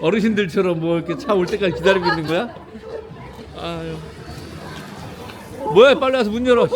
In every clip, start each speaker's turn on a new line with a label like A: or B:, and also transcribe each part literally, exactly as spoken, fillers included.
A: 어르신들처럼 뭐 이렇게 차 올 때까지 기다리고 있는 거야? 아유. 뭐야, 빨리 와서 문 열어.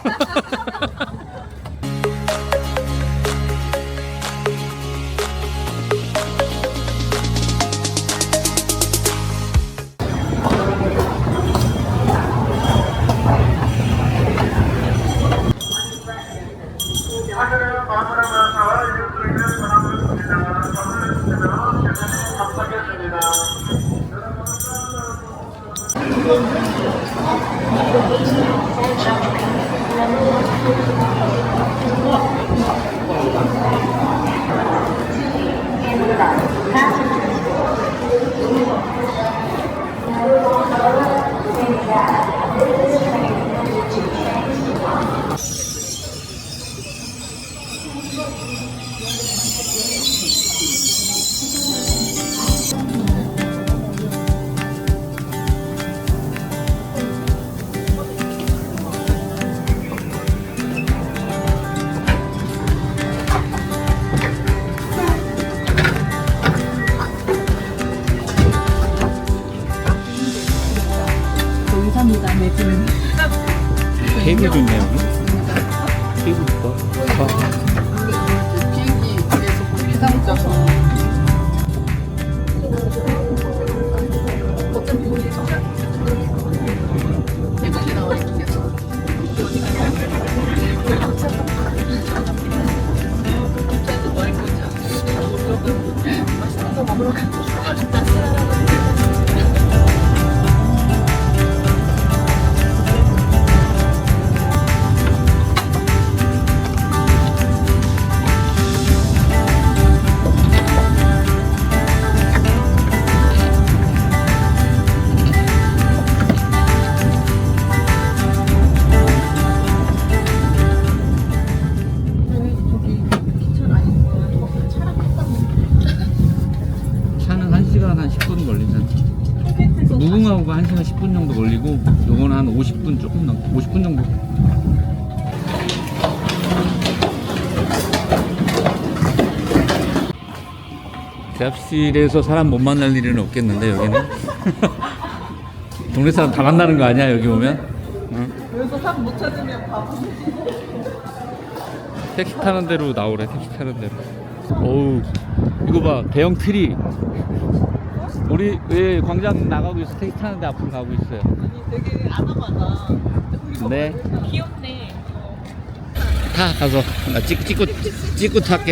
B: 감사합니다. 네, 지금.
A: 케이블 좋네, 여기. 케이블 좋다.
B: 비행기에서 비상 짜서. 예쁘게 나와 있긴 해서. 맛있는 거 먹으러 가자.
A: 차는 한 시간 한 십 분 걸리잖아. 무궁화호가 한 시간 십 분 정도 걸리고, 요거는 한 오십 분 조금 넘, 오십 분 정도. 대합실에서 사람 못 만날 일은 없겠는데, 여기는? 동네 사람 다 만나는 거 아니야, 여기 오면? 응?
B: 여기서 사람 못 찾으면 바보.
A: 택시 타는 대로 나오래, 택시 타는 대로. 어우, 이거 봐, 대형 트리. 우리 왜 광장 나가고 있어? 택시 타는데 앞으로 가고 있어요.
B: 아니 되게 아담하다.
A: 네.
B: 귀엽네.
A: 타, 가서. 나 찍, 찍고, 찍고 탈게.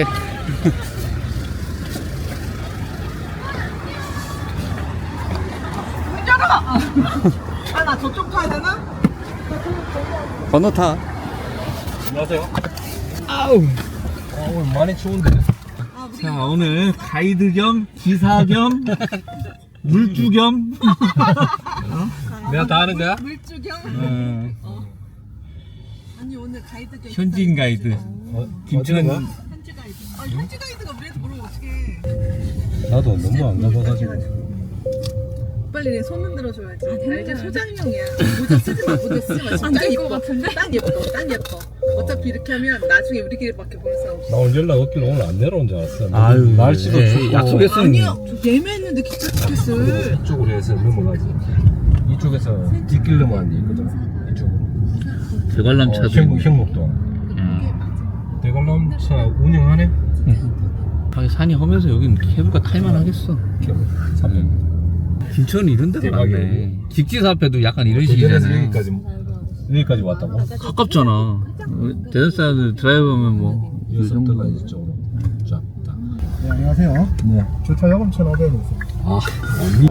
B: 문 열어! 아, 나 저쪽 타야 되나?
A: 건너 타.
C: 안녕하세요.
A: 아우.
C: 아, 오늘 많이 추운데.
A: 자, 오늘 가이드 겸 기사 겸 물주 겸.
C: 내가 다 하는 거야?
B: 물주경?
A: 어,
B: 어. 아니 오늘 가이드 겸
A: 현지인 가이드.
C: 어,
A: 김천.
C: 어디가?
B: 현지 가이드. 아 현지 가이드가 우리한테 물어보면 어떡해.
C: 나도 너무 안 가봐가지고.
B: 빨리 내 손 흔들어줘야지. 알지? 소장용이야. 모자 쓰지 마. 모자 쓰지 마. 진짜 예뻐. 딱 예뻐. 딱 예뻐. 어차피 이렇게 하면 나중에 우리끼리밖에 볼 사람 없어.
C: 나 오늘 연락 없길래 오늘 안 내려온 줄 알았어.
A: 아유,
C: 날씨도
A: 네,
C: 춥고.
A: 약속했어.
B: 아니야. 저 예매했는데 기차 티켓을.
C: 이쪽으로 해서 넘어가지. 이쪽에서 뒷길로만 있거든. 이쪽으로.
A: 대관람차도.
C: 어, 형목, 형목도.
A: 음.
C: 대관람차 운영하네?
A: 아, 산이 험해서 여긴 케이블카 탈만 하겠어.
C: 삼
A: 김천은 이런 데가
C: 대박이네.
A: 많네. 직지사 앞에도 약간 이런
C: 대전에서
A: 식이잖아.
C: 여기까지 여기까지 왔다고?
A: 가깝잖아. 대전 사람들 드라이브하면 뭐. 이
C: 여기서
A: 정도.
C: 들어가 이쪽으로. 자, 딱.
D: 네, 안녕하세요.
C: 네.
D: 주차 요금 천오백 원이세요.
C: 아, 아니.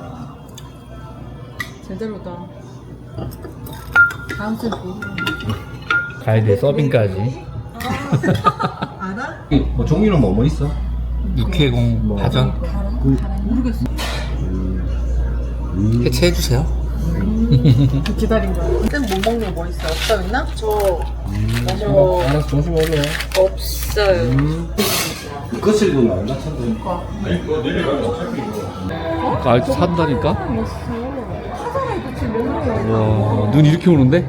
B: 제대로다. 다음 주에 뭐?
A: 가이드 서빙까지.
B: 알아?
C: 뭐 종류는 뭐 뭐 있어?
A: 육회공 파전.
B: 모르겠어.
A: 해체해주세요.
B: 기다린 거야. 쌤 뭐 먹는 거 뭐 있어? 없다 있나? 저
C: 어, 알았어, 조심히 올려.
B: 없어요.
C: 음. 거칠도 나올라, 천도.
A: 아까 알트 산다니까?
B: 하잖아 이거 지금 먹는 거.
A: 와, 눈 이렇게 오는데?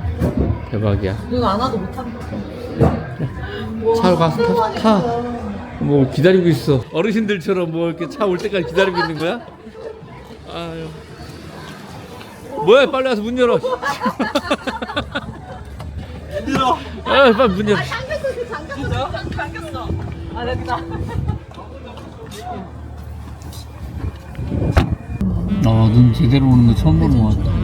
A: 대박이야.
B: 눈 안 와도 못한다.
A: 차로 가서 타. 타. 뭐 기다리고 있어. 어르신들처럼 뭐 이렇게 차 올 때까지 기다리고 있는 거야? 아유. 뭐야, 빨리 와서 문 열어.
C: 힘들어.
A: 아, 빨리 문 열어.
B: 잠겼어, 잠겼어. 아, 됐다.
A: 아, 눈 제대로 오는 거 처음 보는 거 같다.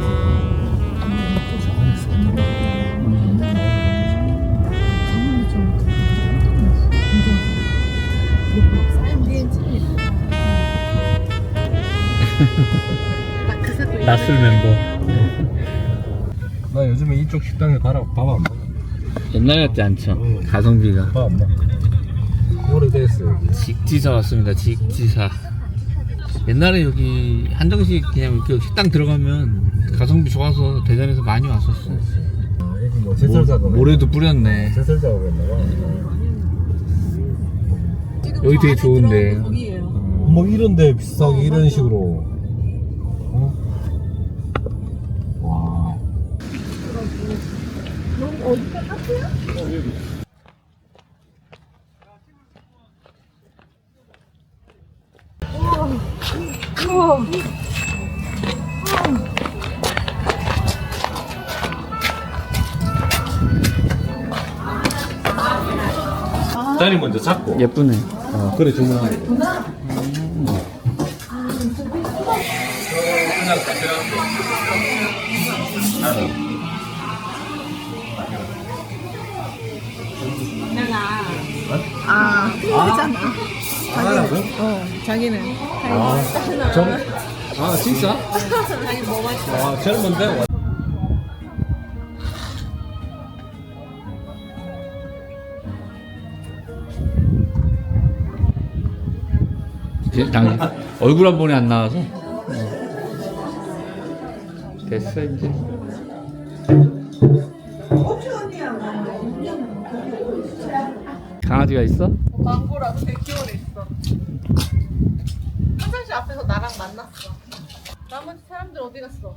A: 낯설 멤버.
C: 나 요즘에 이쪽 식당에 가라 밥 안 먹어.
A: 옛날 같지 않죠?
C: 응.
A: 가성비가.
C: 밥 안 먹어. 오래됐어 여기.
A: 직지사 왔습니다. 직지사. 옛날에 여기 한정식 그냥 이렇게 식당 들어가면 가성비 좋아서 대전에서 많이 왔었어.
C: 아, 여기 뭐 제설 작업.
A: 모래도 뿌렸네.
C: 제설 작업했나 봐.
A: 여기 되게 좋은데.
B: 거기예요.
C: 뭐 이런데 비싸게 이런 식으로. 어? 와. 딸이 먼저 잡고.
A: 예쁘네.
C: 어, 그래 주문하네.
B: 아, 틀리잖아.
C: 하나라고?
B: 어, 자기는.
C: 아, 정, 아 진짜?
B: 자기 뭐 맛있어?
C: 아, 젊은데?
A: 이제 당 얼굴 한 번에 안 나와서. 됐어 이제. 강아지가 있어?
B: 광고라고 대기원에 있어. 화장실 앞에서 나랑 만났어. 나머지 사람들 어디 갔어?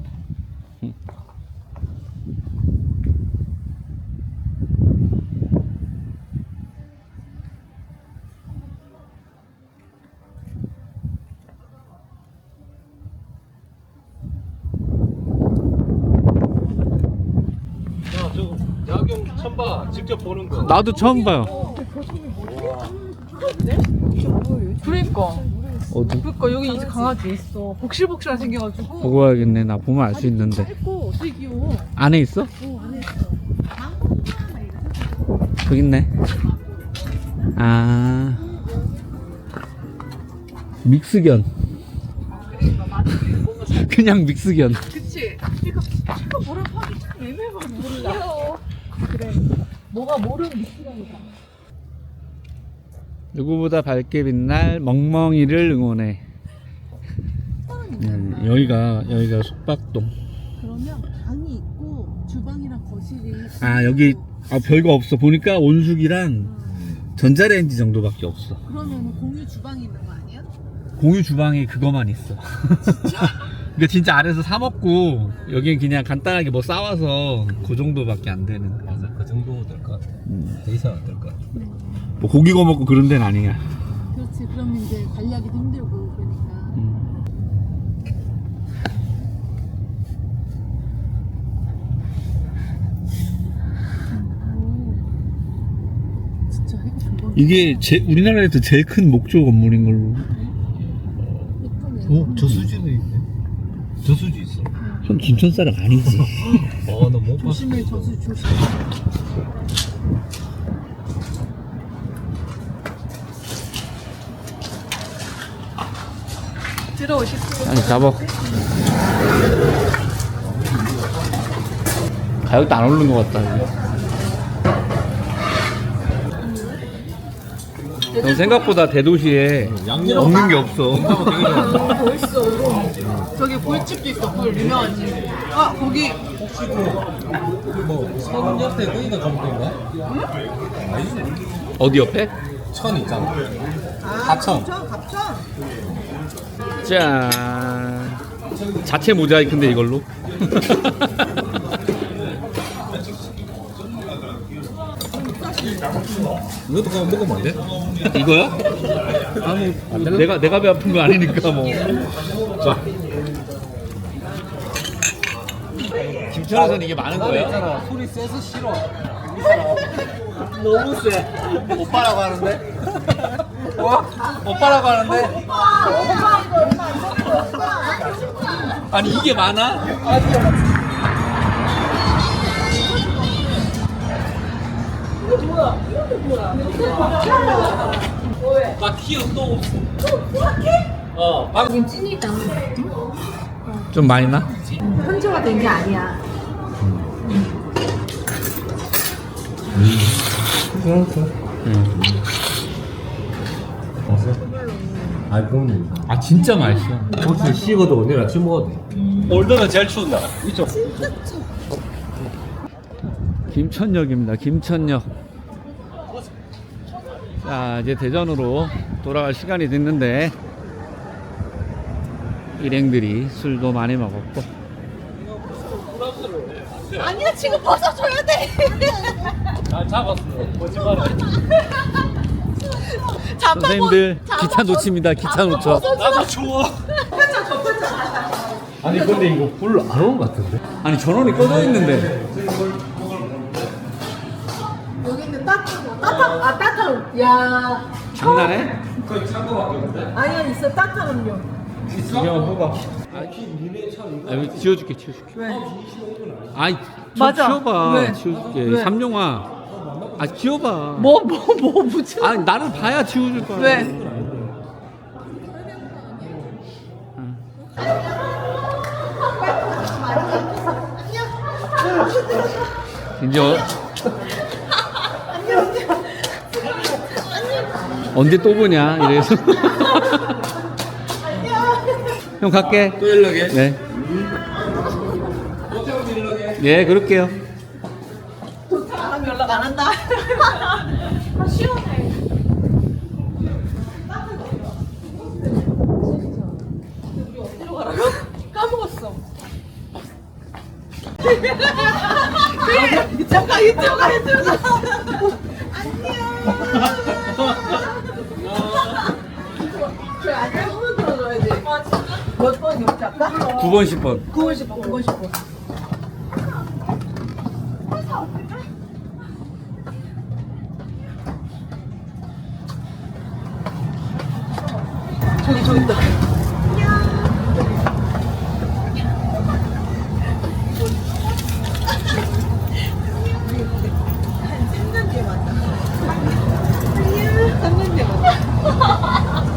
C: 야, 저 야경 처음 봐. 직접 보는 거.
A: 나도 처음 봐요.
B: 그러니까.
A: 어디?
B: 그러니까 여기 이제 강아지 있어. 복실복실하게 생겨가지고.
A: 보고 와야겠네. 나 보면 알 수 있는데.
B: 짧고 되게 귀여워.
A: 안에 있어?
B: 어, 안에 있어.
A: 저기 있네. 아. 믹스견. 그냥 믹스견.
B: 그치? 이거, 이거 뭐라고 하기 참 애매해서 몰라. 귀여워. 그래. 뭐가 모르는 미스라니까.
A: 누구보다 밝게 빛날 멍멍이를 응원해. 음, 여기가 여기가 숙박동.
B: 그러면 방이 있고 주방이랑 거실이
A: 아 여기 아, 별거 없어. 보니까 온수기랑 전자레인지 정도밖에 없어.
B: 그러면 공유 주방이 있는 거 아니야?
A: 공유 주방에 그거만 있어. 그러니까 진짜 아래서 사 먹고 여긴 그냥 간단하게 뭐 싸와서 그 정도밖에 안 되는.
C: 맞아, 그 정도 될 것 같아.
A: 음.
C: 더 이상 안 될 것 같아.
A: 뭐 고기 구워 먹고 그런 데는 아니야.
B: 그렇지. 그러면 이제 관리하기도 힘들고 그러니까.
A: 음.
B: 진짜 해가 금방.
A: 이게 제, 우리나라에서 제일 큰 목조 건물인 걸로.
C: 어? 저수지도 있네. 저수지 있어.
A: 형 김천 사람 아니지?
C: 어, 나 못 봤어.
B: 조심해 저수 조심. 들어오십시오.
A: 아니 잡아. 가격도 안 오르는 것 같다. 이거. 생각보다 대도시에
C: 양념
A: 없는 게 없어.
B: 벌써 저기 굴집도 있어. 굴 유명한 집. 아 거기
C: 혹시 그, 뭐, 천 옆에 거기가 정도인가?
A: 어디 옆에?
C: 천 있잖아.
B: 아
C: 하천.
B: 갑천 갑천.
A: 짠. 자체 모자이크인데 이걸로.
C: 이것도 그냥 먹으면 안 돼?
A: 이거야? 아, 뭐, 내가, 내가 배 아픈 거 아니니까 뭐.
C: 자,
A: 김천에서는 이게 많은 거야?
C: 있잖아. 소리 세서 싫어. 너무 세. 오빠라고 하는데? 와? 오빠라고 하는데?
A: 아니, 이게 많아? 나 키워 또 없어. 어,
E: 지금 찐이다.
A: 좀 많이 나?
E: 현지화 된 게 아니야.
A: 응.
C: 아, 그럼
A: 아, 진짜 맛있어.
C: 혹시 식어도 내일 아침 먹어도 돼.
A: 올드는 제일 추운 날. 이쪽. 김천역입니다. 김천역. 자, 이제 대전으로 돌아갈 시간이 됐는데 일행들이 술도 많이 먹었고.
B: 아니야 지금 벗어줘야 돼.
A: 잘 잡았어. 거짓말해.
B: 잡아본-
A: 선생님들 기차 놓칩니다. 기차 놓쳐. 나도 추워.
C: 아니, 근데 이거 불 안 오는 것 같은데?
A: 아니 전원이 꺼져 있는데.
B: 여기 있는 따뜻한 따뜻한 아 따뜻한 야
A: 장난해?
B: 아니야 있어 따뜻한 음료.
A: 그냥 뭐가? 아, 여기 지워줄게, 지워줄게.
B: 왜?
A: 아이, 좀
B: 맞아.
A: 지워봐.
B: 왜?
A: 지워줄게.
B: 왜?
A: 삼룡아. 아, 지워봐.
B: 뭐 뭐 뭐 무슨?
A: 아니, 나를 봐야 지워줄 거야.
B: 왜?
A: 이제 어... 언제 또 보냐 이래서. 형 갈게.
C: 또 연락해.
A: 네. 예, 그럴게요.
B: 사람 연락 안 한다. 아 시원해. 우리 어디로 가라고? 까먹었어. 이쪽 가 이쪽 가 이쪽 가. 안녕. 그 안녕 한번 들어줘야지. 아 진짜? 몇 번 옆에 할까?
A: 구 번, 십 번.
B: 구 번 십 번 구 번 십 번. 저기 저기 있다. 한 삼 년 뒤에 만나. 안녕. 삼 년 뒤에 만나.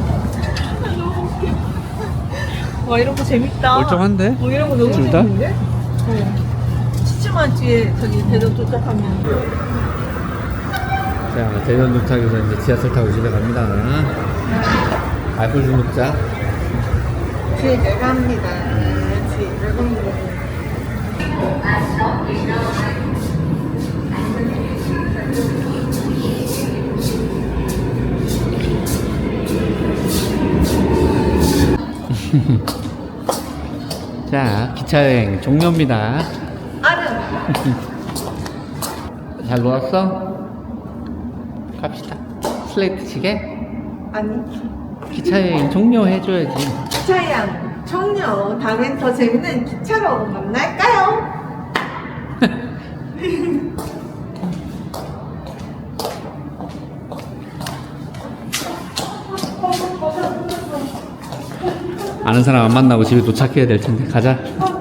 B: 와 이런 거 재밌다.
A: 멀쩡한데?
B: 어 이런 거 너무
A: 둘 다?
B: 재밌는데? 어. 시추만 뒤에 저기 대전 도착하면.
A: 자, 대전 도착해서 이제 지하철 타고 집에 갑니다. 알콜 좀 먹자.
B: 뒤에 내가 합니다. 뒤에 내가 합니다.
A: 자, 기차여행 종료입니다. 잘 놀았어? 갑시다. 슬레이트 치게?
B: 아니
A: 기차여행 종료해줘야지.
B: 기차양 청녀 다음엔 더 재밌는 기차로 만날까요?
A: 아는 사람 안 만나고 집에 도착해야 될 텐데 가자.